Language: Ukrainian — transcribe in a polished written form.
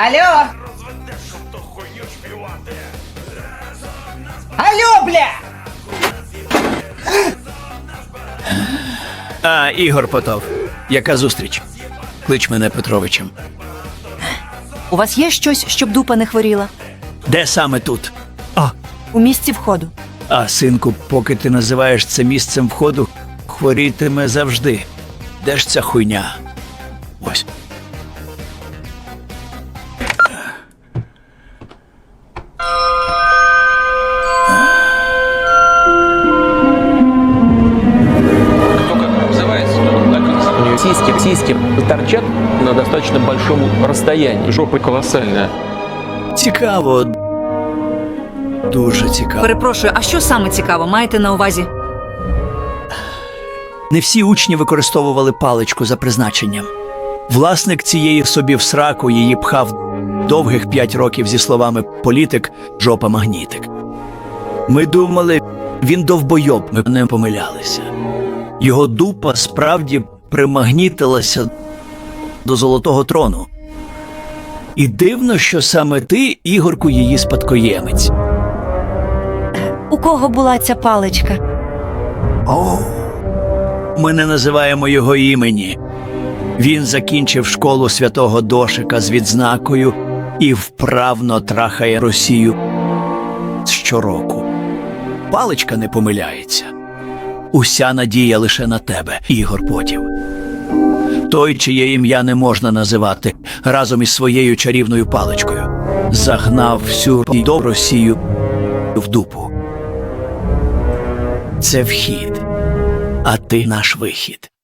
Алло! Алло, бля! Ігор Потов. Яка зустріч? Клич мене Петровичем. У вас є щось, щоб дупа не хворіла? Де саме тут? У місці входу. Синку, поки ти називаєш це місцем входу, хворітиме завжди. Де ж ця хуйня? Ось. Кто как называется, тот так и называется. Сиськи торчат на достаточно большом расстоянии. Жопа колоссальная. Цікаво. Дуже цікаво. Перепрошую, а що саме цікаво маєте на увазі? Не всі учні використовували паличку за призначенням. Власник цієї собі в сраку її пхав довгих 5 років зі словами «політик, жопа магнітик». Ми думали, він довбойоб, ми не помилялися. Його дупа справді примагнітилася до золотого трону. І дивно, що саме ти, Ігорку, її спадкоємець. У кого була ця паличка? Ми не називаємо його імені. Він закінчив школу святого Дошика з відзнакою і вправно трахає Росію щороку. Паличка не помиляється. Уся надія лише на тебе, Ігор Потів. Той, чиє ім'я не можна називати, разом із своєю чарівною паличкою загнав всю Росію в дупу. Це вхід, а ти наш вихід.